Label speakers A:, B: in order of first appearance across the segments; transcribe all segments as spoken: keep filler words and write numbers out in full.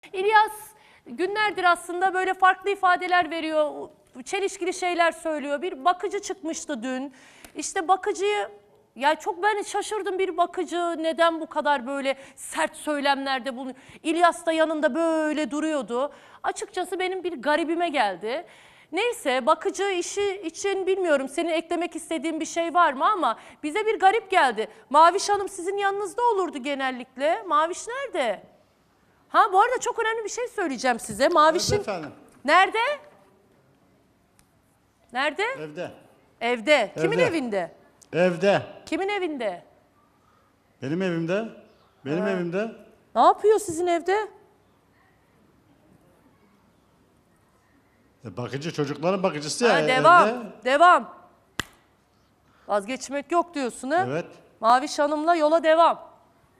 A: İlyas günlerdir aslında böyle farklı ifadeler veriyor, çelişkili şeyler söylüyor. Bir bakıcı çıkmıştı dün. İşte bakıcıyı, ya çok ben şaşırdım, bir bakıcı neden bu kadar böyle sert söylemlerde bulunuyor. İlyas da yanında böyle duruyordu. Açıkçası benim bir garibime geldi. Neyse, bakıcı işi için bilmiyorum senin eklemek istediğin bir şey var mı, ama bize bir garip geldi. Maviş Hanım sizin yanınızda olurdu genellikle. Maviş nerede? Ha, bu arada çok önemli bir şey söyleyeceğim size. Maviş'in...
B: Evet efendim.
A: Nerede? Nerede?
B: Evde.
A: Evde. Kimin
B: Evde.
A: evinde?
B: Evde.
A: Kimin evinde?
B: Benim evimde. Benim evimde.
A: Ne yapıyor sizin evde?
B: E, bakıcı, çocukların bakıcısı ya.
A: Ha,
B: e,
A: devam.
B: Evde.
A: Devam. Vazgeçmek yok diyorsun ha?
B: Evet.
A: Maviş Hanım'la yola devam.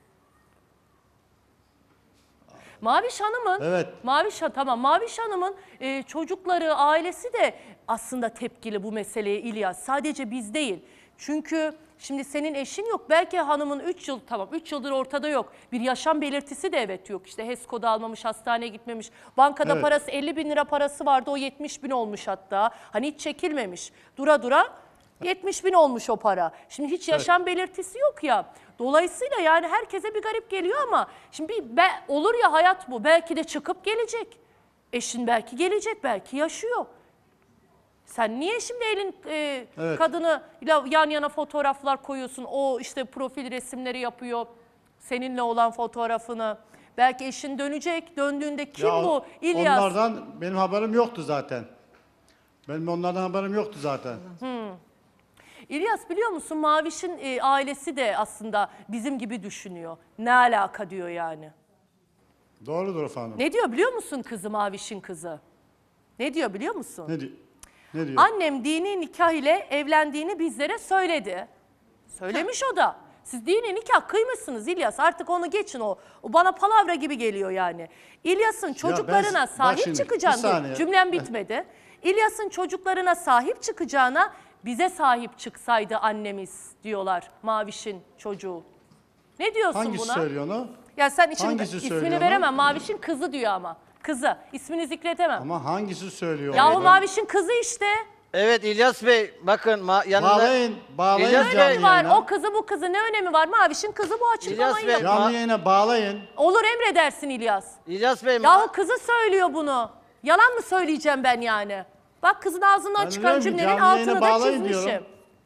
A: Maviş Hanım'ın,
B: Evet.
A: Maviş, tamam, Maviş Hanım'ın e, çocukları, ailesi de aslında tepkili bu meseleye İlyas. Sadece biz değil. Çünkü şimdi senin eşin yok. Belki hanımın üç yıl, tamam üç yıldır ortada yok. Bir yaşam belirtisi de evet yok. İşte HESCO'da almamış, hastaneye gitmemiş. Bankada
B: Evet.
A: parası elli bin lira parası vardı, o yetmiş bin olmuş hatta. Hani hiç çekilmemiş. Dura dura yetmiş bin olmuş o para. Şimdi hiç yaşam belirtisi yok ya. Dolayısıyla yani herkese bir garip geliyor, ama şimdi bir be, olur ya, hayat bu. Belki de çıkıp gelecek. Eşin belki gelecek, belki yaşıyor. Sen niye şimdi elin e,
B: Evet.
A: kadını yan yana fotoğraflar koyuyorsun? O işte profil resimleri yapıyor. Seninle olan fotoğrafını. Belki eşin dönecek. Döndüğünde kim
B: Ya,
A: bu? İlyas.
B: Onlardan benim haberim yoktu zaten. Benim onlardan haberim yoktu zaten.
A: İlyas, biliyor musun, Maviş'in e, ailesi de aslında bizim gibi düşünüyor. Ne alaka diyor yani.
B: Doğrudur efendim.
A: Ne diyor biliyor musun kızı, Maviş'in kızı? Ne diyor biliyor musun?
B: Ne, di ne diyor?
A: Annem dini nikah ile evlendiğini bizlere söyledi. Söylemiş o da. Siz dini nikah kıymışsınız İlyas. Artık onu geçin o. O bana palavra gibi geliyor yani. İlyas'ın çocuklarına
B: ben-
A: sahip
B: bak şimdi,
A: çıkacağını...
B: bir saniye.
A: Cümlem bitmedi. İlyas'ın çocuklarına sahip çıkacağına bize sahip çıksaydı annemiz diyorlar Maviş'in çocuğu. Ne diyorsun
B: Hangisi
A: buna?
B: söylüyor onu?
A: Ya sen için
B: Hangisi
A: ismini
B: söylüyor
A: veremem.
B: onu?
A: Maviş'in kızı diyor ama. Kızı. İsmini zikretemem.
B: Ama hangisi söylüyor?
A: Yahu
B: onu?
A: Maviş'in kızı işte.
C: Evet İlyas Bey, bakın ma- yanında...
B: Bağlayın, bağlayın
C: İlyas
B: canlı
C: Bey,
A: Önemi var.
B: yayına.
A: O kızı bu kızı ne önemi var? Maviş'in kızı bu, açıklamayı
C: Bey,
A: yap.
B: Canlı yayına bağlayın.
A: Olur, emredersin İlyas.
C: İlyas Bey, ma-
A: Yahu kızı söylüyor bunu. Yalan mı söyleyeceğim ben yani? Bak, kızın ağzından
B: Ben
A: çıkan
B: diyorum ki
A: cümlenin
B: canlı yayına
A: altını da
B: bağlayın
A: çizmişim.
B: diyorum.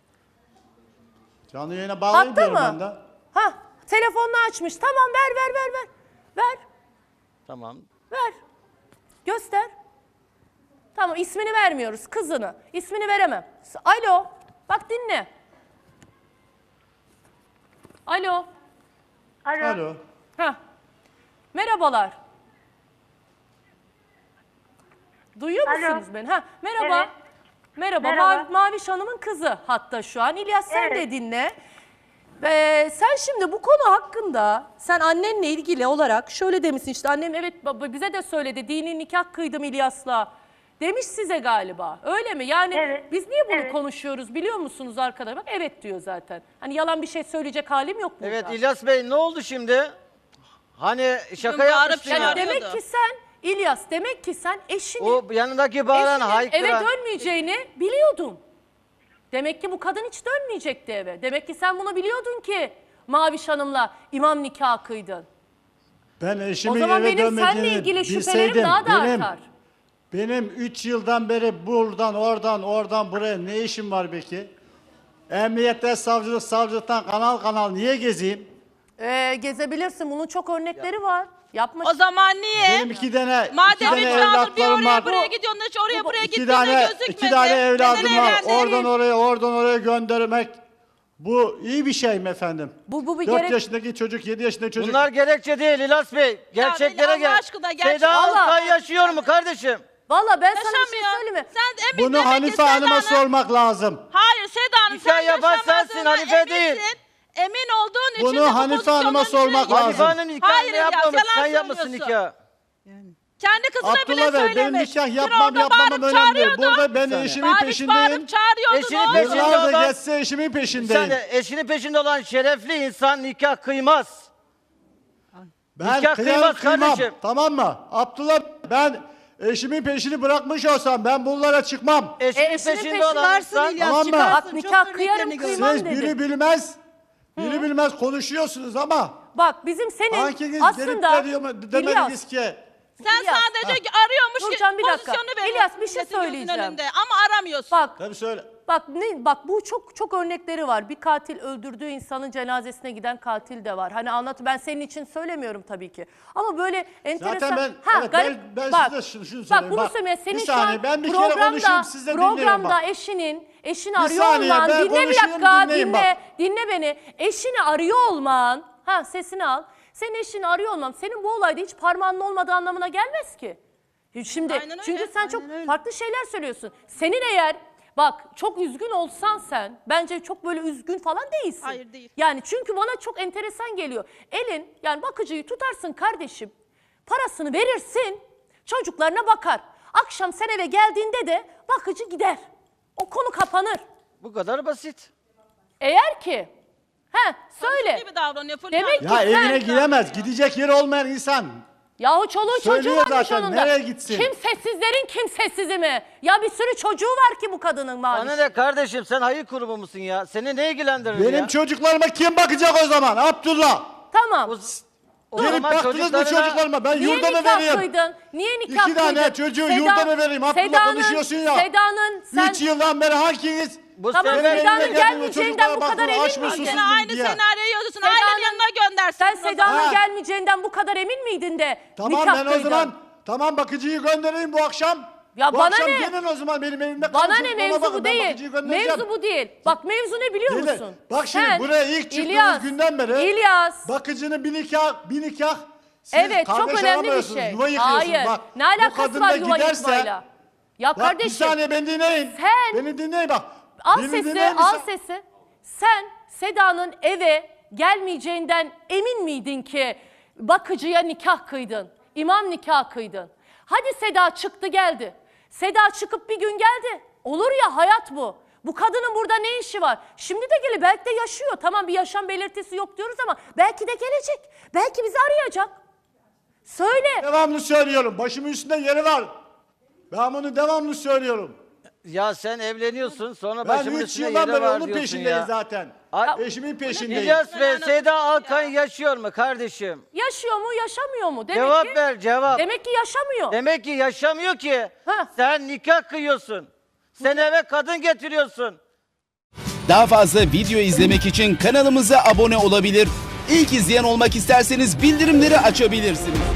B: Canlı yayına bağlayın
A: Hatta
B: diyorum
A: mı?
B: ben de.
A: Ha, telefonunu açmış. Tamam, ver ver ver ver. Ver,
C: Tamam.
A: ver. Göster. Tamam, ismini vermiyoruz, kızını. İsmini veremem. Alo. Bak dinle. Alo.
D: Alo.
B: Alo.
A: Ha. Merhabalar. Duyuyor
D: Alo.
A: musunuz beni? Ha, merhaba.
D: Evet.
A: Merhaba.
D: Merhaba.
A: Mavi- Maviş Hanım'ın kızı hatta şu an. İlyas, sen
D: Evet.
A: de dinle. Ee, sen şimdi bu konu hakkında, sen annenle ilgili olarak şöyle demişsin, işte annem evet baba bize de söyledi, dini nikah kıydım İlyas'la demiş size galiba, öyle mi? Yani
D: Evet,
A: biz niye bunu
D: evet.
A: konuşuyoruz biliyor musunuz arkadaşlar? Bak, evet diyor zaten. Hani yalan bir şey söyleyecek halim yok burada.
C: Evet İlyas Bey, ne oldu şimdi? Hani şaka
E: Bugün bağırıp
C: yapmıştın
A: Yani
C: ya.
E: çağırıyor.
A: demek ki sen İlyas, demek ki sen eşini,
C: O yanındaki bağıran
A: eşinin
C: haykıran.
A: eve dönmeyeceğini biliyordun. Demek ki bu kadın hiç dönmeyecekti eve. Demek ki sen bunu biliyordun ki Maviş Hanım'la imam nikahı kıydın.
B: Ben
A: O
B: eşimin
A: zaman
B: eve
A: benim seninle
B: dönmediğini
A: ilgili şüphelerim
B: bilseydim,
A: daha da
B: benim,
A: artar.
B: benim üç yıldan beri buradan, oradan, oradan buraya ne işim var peki? Emniyette, savcılık, savcılıktan kanal kanal niye gezeyim?
A: Ee, gezebilirsin. Bunun çok örnekleri var. Yapma.
E: O zaman niye?
B: Benim iki tane, iki
E: Madem
B: tane
E: üç yıldır bir
B: evlatlarım
E: oraya
B: var.
E: buraya gidiyorsun, hiç oraya buraya
B: İki
E: gittiğinde
B: tane,
E: gözükmedi.
B: iki tane evladım
E: Neden
B: var.
E: evlendin?
B: Oradan oraya, oradan oraya göndermek. Bu iyi bir şey mi efendim?
A: Bu- bu bir
B: dört
A: gerek-
B: yaşındaki çocuk, yedi yaşındaki çocuk.
C: Bunlar gerekçe değil İlyas Bey. Gerçeklere
E: Allah
C: gel.
E: aşkına, gerçek-
C: Seda
A: Allah.
C: Altay yaşıyor mu kardeşim?
A: Valla ben sana bir şey
E: Yaşamıyor.
A: söyleyeyim mi?
E: Sen emin
B: Bunu
E: demek ki
B: Hanife
E: Seda
B: Hanım'a
E: Hanım-
B: sormak lazım.
E: Hayır Seda Hanım,
C: Nikah
E: sen
C: yapan
E: yaşamadığına
C: sensin, Hanife değil.
E: eminsin. Emin olduğun için
B: Bunu
E: de bu
B: Hanife Hanım'a
E: pozisyonun
B: sormak
E: içine
B: lazım.
E: girdin.
C: Hanife'nin nikahını
E: Hayır İlyas,
C: yapmamış.
E: yalan
C: Sen yapmışsın
E: söylüyorsun.
C: nikah.
E: Kendi kızına bile
B: Abdullah Bey,
E: söylemiş.
B: benim nikah
E: Dün
B: yapmam
E: orada
B: yapmamam
E: bağırıp
B: önemli.
E: çağırıyordun.
B: Burada ben
C: saniye.
B: eşimin
E: Bağırıp
B: peşindeyim.
E: bağırıp çağırıyordun.
C: Eşini
E: oğlum.
C: peşinde
B: Yıllardır
C: olan-
B: geçse eşimin
C: Bir
B: peşindeyim.
C: saniye, eşinin peşinde olan şerefli insan nikah kıymaz.
B: Ben
C: Nikah
B: kıyar
C: kıymaz
B: kıymam.
C: kardeşim.
B: Tamam mı? Abdullah, ben eşimin peşini bırakmış olsam ben bunlara çıkmam.
C: Eşinin
A: E, eşinin
C: peşinde
A: peşinde
C: olan
D: Çıkarsın
C: insan
D: İlyas,
B: Tamam mı?
D: çıkarsın.
A: Bak,
D: Çok
A: nikah
D: örneklerini
A: kıyarım,
D: gördüm.
A: kıymam.
B: Siz
A: dedi.
B: biri bilmez, biri bilmez konuşuyorsunuz ama
A: Bak bizim senin
B: hanginiz gelip
A: aslında
B: de diyor mu- demediniz ki
E: Sen
A: İlyas,
E: sadece arıyormuş ki
A: Nurcan, bir dakika.
E: pozisyonu veriyorsun.
A: İlyas, bir şey
E: milletin gözünün
A: söyleyeceğim.
E: önünde ama aramıyorsun.
A: bak
B: tabii söyle.
A: Bak ne bak bu çok çok örnekleri var. Bir katil öldürdüğü insanın cenazesine giden katil de var. Hani anlat, ben senin için söylemiyorum tabii ki. Ama böyle enteresan.
B: ben-
A: ha,
B: evet,
A: garip,
B: ben- ben
A: bak,
B: size şunu- şunu
A: Bak
B: söyleyeyim.
A: bunu
B: Bak,
A: söyleyeyim. Senin
B: bir
A: şu an
B: saniye, ben bir kere konuşayım,
A: programda
B: siz de dinleyin
A: programda
B: bak.
A: eşinin eşini
B: Bir
A: arıyor
B: saniye,
A: olman,
B: ben
A: dinle bir
B: konuşayım,
A: dakika,
B: dinleyin
A: dinle,
B: bak.
A: dinle beni. Eşini arıyor olman, ha sesini al. Senin eşini arıyor olman senin bu olayda hiç parmağının olmadığı anlamına gelmez ki. Şimdi
E: Aynen öyle,
A: çünkü sen çok
D: aynen öyle.
A: farklı şeyler söylüyorsun. Senin eğer bak çok üzgün olsan sen bence çok böyle üzgün falan değilsin.
E: Hayır, değil.
A: Yani çünkü bana çok enteresan geliyor. Elin yani bakıcıyı tutarsın kardeşim, parasını verirsin, çocuklarına bakar. Akşam sen eve geldiğinde de bakıcı gider. O konu kapanır.
C: bu kadar basit.
A: Eğer ki he söyle.
E: gibi davranıyor Fulya.
A: Demek
B: Ya
A: ki sen-
B: evine giremez, gidecek yeri olmayan insan.
A: Yahu çoluğu çocuğu
B: Söylüyor
A: varmış
B: zaten,
A: onun da.
B: nereye gitsin?
A: Kimsesizlerin kimsesizi mi? Ya bir sürü çocuğu var ki bu kadının
C: Bana
A: maalesef.
C: ne kardeşim, sen hayır kurumu musun ya? Seni ne ilgilendirir
B: Benim
C: ya?
B: çocuklarıma kim bakacak o zaman? Abdullah.
A: Tamam.
C: O, o
B: Gelip
C: zaman
B: baktınız mı
C: çocuklarına-
B: çocuklarıma? Ben
A: Niye
B: yurda mı
A: nikah
B: vereyim?
A: kıydın? Niye nikah
B: İki tane
A: kıydın?
B: çocuğu yurda mı vereyim? Abdullah,
A: Seda'nın-
B: konuşuyorsun ya.
A: Seda'nın sen...
B: Üç yıldan beri hanginiz?
C: Bu
A: Tamam,
C: sefer-
B: Benim
A: Seda'nın
B: evime geldin,
A: gelmeyeceğinden
B: çocuklara
A: bu kadar
B: baktın,
A: emin
B: aç mı
A: miydin?
B: susuz
E: Sen
B: mu
E: aynı
B: diye.
E: senaryoyu yazıyorsun.
A: Seda'nın-
E: Ailenin yanına göndersin.
A: Sen
E: o zaman.
A: Seda'nın
B: Ha.
A: gelmeyeceğinden bu kadar emin miydin de
B: Tamam
A: nikah
B: ben o
A: kıydın?
B: zaman tamam bakıcıyı göndereyim bu akşam.
A: Ya
B: bu
A: bana
B: akşam
A: ne?
B: gelin o zaman benim evimde kalın.
A: Bana ne,
B: çocuklarıma
A: mevzu
B: bakın,
A: bu
B: ben
A: değil.
B: bakıcıyı göndereceğim.
A: Mevzu bu değil. Bak mevzu ne biliyor
B: Değil de,
A: musun?
B: bak şimdi
A: Sen,
B: buraya ilk çıktığınız
A: İlyas,
B: günden beri
A: İlyas.
B: bakıcının bir nikah, bir nikah. Siz
A: Evet çok
B: kardeş
A: önemli bir
B: aramıyorsunuz,
A: şey.
B: yuva yıkıyorsunuz.
A: Hayır.
B: Bak,
A: Ne
B: bu
A: alakası
B: kadın
A: var
B: da
A: yuva
B: giderse-
A: yıkmayla? Ya
B: Bak bir
A: kardeşim
B: saniye beni dinleyin.
A: Sen-
B: Beni dinleyin bak.
A: al
B: Beni
A: sesi
B: dinleyin bir
A: al
B: sa-
A: sesi. Sen Seda'nın eve gelmeyeceğinden emin miydin ki bakıcıya nikah kıydın? İmam nikah kıydın. Hadi Seda çıktı geldi. Seda çıkıp bir gün geldi. Olur ya, hayat bu. Bu kadının burada ne işi var? Şimdi de geliyor, belki de yaşıyor. Tamam bir yaşam belirtisi yok diyoruz ama belki de gelecek. Belki bizi arayacak. Söyle.
B: Devamlı söylüyorum. Başımın üstünde yeri var. Ben bunu devamlı söylüyorum.
C: Ya sen evleniyorsun, sonra
B: Ben
C: başımın
B: üç
C: üstüne
B: yıldan
C: yeri
B: beri
C: var
B: onun
C: diyorsun
B: peşindeyim
C: ya.
B: zaten.
C: Ay-
B: Eşimin peşindeyim.
C: İlyas ve Seda Alkan yaşıyor mu kardeşim?
A: Yaşıyor mu, yaşamıyor mu? Demek
C: Cevap
A: ki,
C: ver, cevap.
A: Demek ki yaşamıyor.
C: Demek ki yaşamıyor ki.
A: Ha.
C: Sen nikah kıyıyorsun. Sen eve kadın getiriyorsun.
F: Daha fazla video izlemek için kanalımıza abone olabilir. İlk izleyen olmak isterseniz bildirimleri açabilirsiniz.